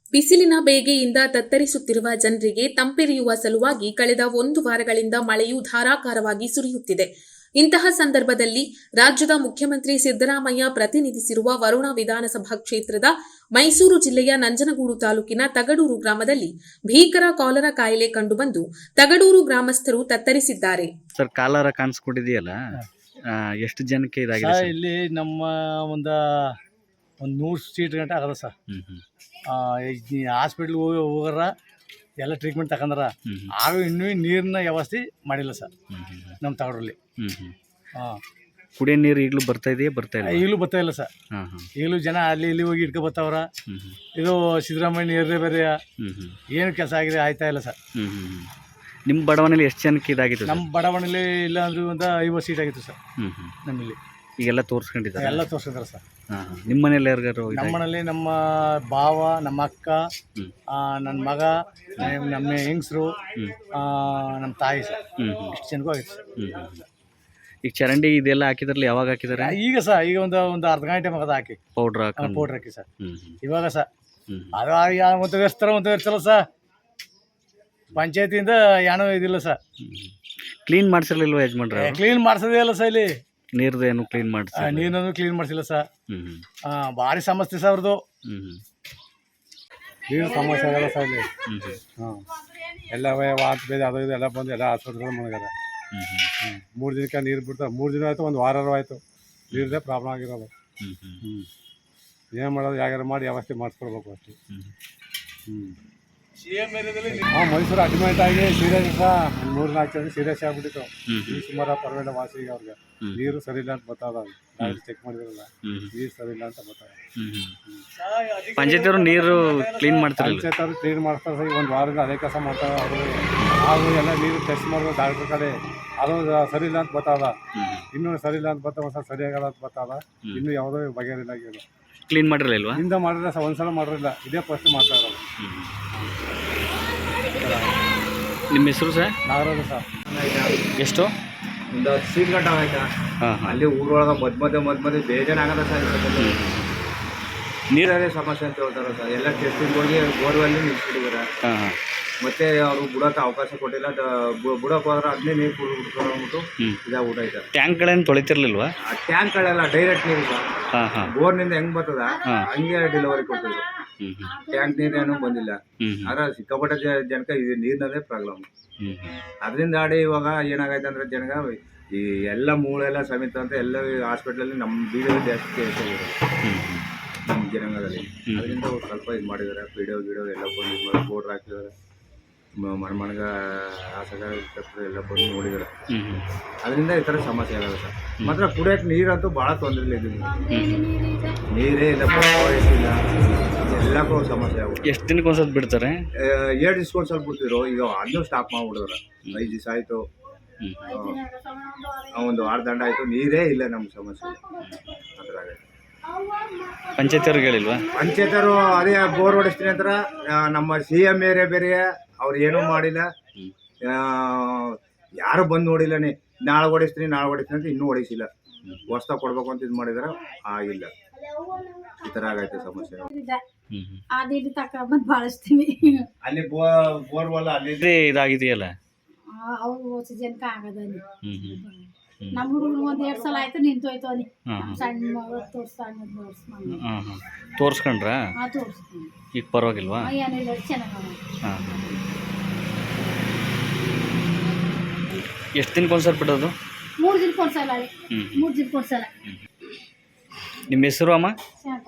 ಬಿಸಿಲಿನ ಬೇಗೆಯಿಂದ ತತ್ತರಿಸುತ್ತಿರುವ ಜನರಿಗೆ ತಂಪೆರೆಯುವ ಸಲುವಾಗಿ ಕಳೆದ 1 ವಾರಗಳಿಂದ ಮಳೆಯು ಧಾರಾಕಾರವಾಗಿ ಸುರಿಯುತ್ತಿದೆ. ಇಂತಹ ಸಂದರ್ಭದಲ್ಲಿ ರಾಜ್ಯದ ಮುಖ್ಯಮಂತ್ರಿ ಸಿದ್ದರಾಮಯ್ಯ ಪ್ರತಿನಿಧಿಸಿರುವ ವರುಣ ವಿಧಾನಸಭಾ ಕ್ಷೇತ್ರದ ಮೈಸೂರು ಜಿಲ್ಲೆಯ ನಂಜನಗೂಡು ತಾಲೂಕಿನ ತಗಡೂರು ಗ್ರಾಮದಲ್ಲಿ ಭೀಕರ ಕಾಲರಾ ಕಾಯಿಲೆ ಕಂಡುಬಂದು ತಗಡೂರು ಗ್ರಾಮಸ್ಥರು ತತ್ತರಿಸಿದ್ದಾರೆ. ಸರ್, ಕಾಲರಾ ಕಾಣಿಸ್ಕೊಂಡಿದೆಯಲ್ಲ, ಎಷ್ಟು ಜನಕ್ಕೆ ಇದಾಗಿದೆ ಸರ್? ಇಲ್ಲಿ ನಮ್ಮ ಒಂದು 100 ಸೀಟ್ ಗಂಟೆ ಆಗದ ಸರ್. ಹಾಸ್ಪಿಟ್ಲ್ಗೆ ಹೋಗಾರ ಎಲ್ಲ ಟ್ರೀಟ್ಮೆಂಟ್ ತಗೊಂಡ್ರ, ಆಗ ಇನ್ನೂ ನೀರಿನ ವ್ಯವಸ್ಥೆ ಮಾಡಿಲ್ಲ ಸರ್ ನಮ್ಮ ತಗಡೂರಲ್ಲಿ. ಕುಡಿಯೋ ನೀರು ಈಗಲೂ ಬರ್ತಾ ಇದೆಯಾ? ಈಗಲೂ ಬರ್ತಾ ಇಲ್ಲ ಸರ್. ಈಗಲೂ ಜನ ಅಲ್ಲಿ ಇಲ್ಲಿ ಹೋಗಿ ಇಟ್ಕೊ ಬರ್ತಾವ್ರ. ಇದು ಸಿದ್ದರಾಮಯ್ಯ ನೀರೇ ಬೇರೆ ಏನು ಕೆಲಸ ಆಗಿದೆ ಆಯ್ತಾ ಇಲ್ಲ ಸರ್. ನಿಮ್ಮ ಬಡಾವಣೆಯಲ್ಲಿ ಎಷ್ಟು ಜನಕ್ಕೆ ಇದಾಗಿತ್ತು? ನಮ್ಮ ಬಡಾವಣೆಯಲ್ಲಿ ಇಲ್ಲ ಅಂದ್ರೆ ಒಂದು 50 ಸೀಟ್ ಆಗಿತ್ತು ಸರ್ ನಮ್ಮಲ್ಲಿ. ಈಗೆಲ್ಲ ತೋರಿಸ್ಕೊಂಡಿದ್ದಾರೆ? ಎಲ್ಲ ತೋರಿಸಿದ್ದಾರೆ ಸರ್. ನಿಮ್ಮ ಮನೇಲಿ ಯಾರಿಗಾರು? ನಮ್ಮ ಮನೇಲಿ ನಮ್ಮ ಭಾವ, ನಮ್ಮ ಅಕ್ಕ, ನನ್ನ ಮಗ, ನಮ್ಮ ಹೆಂಗಸರು, ನಮ್ಮ ತಾಯಿ ಸರ್, ಇಷ್ಟು ಜನಕ್ಕೂ ಆಗಿತ್ತು ಸರ್. ಈಗ ಚರಂಡಿ ಇದೆಲ್ಲ ಹಾಕಿದ್ರಲ್ಲಿ ಯಾವಾಗ ಹಾಕಿದ್ದಾರೆ? ಈಗ ಸರ್, ಈಗ ಒಂದು ಅರ್ಧ ಗಂಟೆ ಮಗದ ಹಾಕಿ ಪೌಡ್ರ್ ಹಾಕಿ ಸರ್. ಇವಾಗ ಸರ್ ಅದು ಒಂದು ವರ್ಷಲ್ಲ ಸರ್. ಪಂಚಾಯತಿಯಿಂದ ಏನೋ ಇದಿಲ್ಲ ಸರ್. ಕ್ಲೀನ್ ಮಾಡಿಸಿರ್ಲಿಲ್ವ ಯಜಮಾನ್ರೆ? ಕ್ಲೀನ್ ಮಾಡಿಸೋದೇ ಇಲ್ಲ ಸರ್. ಇಲ್ಲಿ ನೀರ್ದು ಏನು ಕ್ಲೀನ್ ಮಾಡಿಸಿ? ನೀರನ್ನು ಕ್ಲೀನ್ ಮಾಡಿಸಿಲ್ಲ ಸರ್. ಭಾರಿ ಸಮಸ್ಯೆ ಸರ್ ಅವ್ರದ್ದು. ನೀರು ಸಮಸ್ಯೆ ಆಗಲ್ಲ ಸರ್ ಇಲ್ಲಿ. ಎಲ್ಲ ವಾಂತಿ ಬೇರೆ ಅದು ಇದು ಎಲ್ಲ ಬಂದು ಎಲ್ಲ ಆಸ್ಪತ್ರೆಗಳು ಮನೆಗಾರ. 3 ದಿನಕ್ಕೆ ನೀರು ಬಿಡ್ತಾರೆ. 3 ದಿನ ಆಯಿತು, ಒಂದು ವಾರ ಆಯಿತು. ನೀರದೇ ಪ್ರಾಬ್ಲಮ್ ಆಗಿರೋದು. ಏನು ಮಾಡೋದು? ಯಾವ್ಯಾರು ಮಾಡಿ ವ್ಯವಸ್ಥೆ ಮಾಡಿಸ್ಕೊಡ್ಬೇಕು ಅಷ್ಟೇ. ಮೈಸೂರು ಅಡ್ಮಿಟ್ ಆಗಿ ಸೀರಿಯಸ್ ಸಹ 3-4 ಜನ ಸೀರಿಯಸ್ ಆಗ್ಬಿಟ್ಟಿತ್ತು. ಈ ಸುಮಾರು ಪರವಾಗಿಲ್ಲ ವಾಸಿಗೆ ಅವ್ರಿಗೆ. ನೀರು ಸರಿ ಇಲ್ಲ ಅಂತ ಬರ್ತದ. ಚೆಕ್ ಮಾಡಿದ್ರಲ್ಲ, ನೀರು ಸರಿ ಇಲ್ಲ ಅಂತ ಬರ್ತದೆ. ಪಂಚಾಯತ್ ನೀರು ಕ್ಲೀನ್ ಮಾಡ್ತಾರೆ. ಪಂಚಾಯತ್ ಅವರು ಕ್ಲೀನ್ ಮಾಡ್ತಾರೆ ಸರ್. 1 ವಾರದಿಂದ ಅದೇ ಕೆಲಸ ಮಾಡ್ತಾರೆ ಅವರು. ಹಾಗೂ ಎಲ್ಲ ನೀರು ಟೆಸ್ಟ್ ಮಾಡೋದು ಡಾಕ್ಟ್ರ್ ಕಡೆ. ಅದು ಸರಿ ಇಲ್ಲ ಅಂತ ಬರ್ತದ. ಇನ್ನೂ ಸರಿ ಇಲ್ಲ ಅಂತ ಬರ್ತಾವ ಸರ್. ಸರಿಯಾಗಲ್ಲ ಅಂತ ಬರ್ತದ. ಇನ್ನೂ ಯಾವುದೋ ಬಗೆಹರಿಲ್ಲ. ಕ್ಲೀನ್ ಮಾಡಿರಲಿಲ್ವಾ? ಹಿಂದೆ ಮಾಡಿರಲಿಲ್ಲ ಸರ್, ಒಂದ್ಸಲ ಮಾಡಿರಲಿಲ್ಲ. ಇದೇ ಫಸ್ಟ್ ಮಾಡ್ತಾ ಇರೋದು. ನಿಮ್ಮ ಹೆಸರು ಸರ್? ನಾಗರಾಜ ಸರ್. ಎಷ್ಟು? ಒಂದು 10 ಸೀಟ್ ಗಂಟೆ ಆಯ್ತಾ? ಅಲ್ಲಿ ಊರೊಳಗೆ ಮಧ್ಯ ಬೇಜಾರಾಗದ ಸರ್. ನೀರೇ ಸಮಸ್ಯೆ ಅಂತ ಹೇಳ್ತಾರೆ ಸರ್. ಎಲ್ಲ ಟೆಸ್ಟಿಂಗ್ ಹೋಗಿ ಬೋರ್ವೆಲ್ಲಿ ನಿಲ್ಸ್ಬಿಟ್ಟಿದ್ದಾರೆ. ಮತ್ತೆ ಅವರು ಬುಡಕ್ಕೆ ಅವಕಾಶ ಕೊಟ್ಟಿಲ್ಲ. ಬುಡಕ್ಕೆ ಹೋದ್ರೆ ಅದನ್ನೇ ನೀರು ಕುಡಿದ್ಬಿಟ್ಟು ಇದಾಗ್ಬಿಟ್ಟು ಆಯ್ತಾರೆ. ಟ್ಯಾಂಕ್ಗಳೇನು ತೊಳಿತಿರ್ಲಿಲ್ವಾ? ಆ ಟ್ಯಾಂಕ್ಗಳೆಲ್ಲ ಡೈರೆಕ್ಟ್ ನೀರು ಸರ್. ಬೋರ್ನಿಂದ ಹೆಂಗ್ ಬರ್ತದ ಹಂಗೆ ಡೆಲಿವರಿ ಕೊಡ್ತಿದ್ರು. ಟ್ಯಾಂಕ್ ನೀರೇನು ಬಂದಿಲ್ಲ. ಆದ್ರೆ ಸಿಕ್ಕಾಪಟ್ಟೆ ಜನಕ್ಕೆ ಇದು ನೀರಿನದೇ ಪ್ರಾಬ್ಲಮ್. ಅದರಿಂದ ಆಡಿ ಇವಾಗ ಏನಾಗೈತೆ ಅಂದ್ರೆ ಜನಗ ಈ ಎಲ್ಲ ಮೂಳೆಲ್ಲ ಸಮೇತ ಅಂತ ಎಲ್ಲ ಹಾಸ್ಪಿಟ್ಲಲ್ಲಿ ನಮ್ಮ ಬೀದರ್ ಜಾಸ್ತಿ ಕೇಸ್ ಆಗಿರೋದು ನಮ್ಮ ಜನಾಂಗದಲ್ಲಿ. ಅದರಿಂದ ಸ್ವಲ್ಪ ಇದು ಮಾಡಿದ್ದಾರೆ. ಪಿಡಿಯೋ ಎಲ್ಲ ಬಂದು ಇದು ಮಾಡಿ ಬೋರ್ಡ್ರ್ ಹಾಕಿದ್ದಾರೆ. ಮನೆಗ ಆಸಗ ಎಲ್ಲ ಬಂದು ನೋಡಿದ್ದಾರೆ. ಅದರಿಂದ ಈ ಥರ ಸಮಸ್ಯೆ ಆಗಲ್ಲ ಸರ್. ಮಾತ್ರ ಕುಡಿಯೋಕೆ ನೀರಂತೂ ಭಾಳ ತೊಂದರೆ ಇಲ್ಲ. ನೀರೇ ಇಲ್ಲ, ಇಲ್ಲ, ಎಲ್ಲಕ್ಕೂ ಸಮಸ್ಯೆ ಆಗುತ್ತೆ. ಎಷ್ಟು ದಿನಕ್ಕೆ ಒಂದ್ಸಲ ಬಿಡ್ತಾರೆ? 7 ದಿವ್ಸಕ್ಕೆ ಸ್ವಲ್ಪ ಬಿಡ್ತಿದ್ರು. ಈಗ ಅದನ್ನೂ ಸ್ಟಾಪ್ ಮಾಡಿಬಿಡಿದ್ರೆ 5 ದಿವಸ ಆಯಿತು, ಒಂದು ವಾರ ದಂಡ ಆಯಿತು. ನೀರೇ ಇಲ್ಲ ನಮ್ಗೆ ಸಮಸ್ಯೆ. ಅದ್ರಾಗ ಪಂಚಾಯತ್ ಹೇಳಿಲ್ವಾ? ಪಂಚಾಯತರು ಅದೇ ಬೋರ್ ಹೊಡಿಸ್ತೀನಿ ಅಂತಾರೆ. ನಮ್ಮ CM ಬೇರೆ ಅವ್ರು ಏನೂ ಮಾಡಿಲ್ಲ. ಯಾರು ಬಂದು ನೋಡಿಲ್ಲನೇ. ನಾಳೆ ಹೊಡಿಸ್ತೀನಿ ಅಂತ ಇನ್ನೂ ಹೊಡಿಸಿಲ್ಲ. ಹೊಸ್ದಾಗಿ ಕೊಡ್ಬೇಕು ಅಂತ ಇದು ಮಾಡಿದಾರೆ, ಆಗಿಲ್ಲ. ಈ ಥರ ಆಗೈತೆ ಸಮಸ್ಯೆ. ಅಲ್ಲಿ ಬೋರ್ವೆಲ್ ಅಲ್ಲಿ ಇದಾಗಿದೆಯಲ್ಲ, ನಮ್ಮ ಹುಡುಗರು 1-2 ಸಲ ಆಯ್ತು ನಿಂತೋಯ್ತು. ಅಲ್ಲಿ ಸಣ್ಣ ಮಗಳು ತೋರಿಸ್ಕೊಂಡ್ರ? ಈಗ ಪರವಾಗಿಲ್ವಾ? ಏನಿಲ್ಲ, ಚೆನ್ನಾಗಿ. ಎಷ್ಟು ದಿನಕ್ಕೆ ಒಂದ್ಸಲ ಬಿಡೋದು? 3 ದಿನಕ್ಕೆ ಒಂದ್ಸಲ. 3 ದಿನಕ್ಕೆ ಒಂದ್ಸಲ. ನಿಮ್ಮ ಹೆಸರು ಅಮ್ಮ?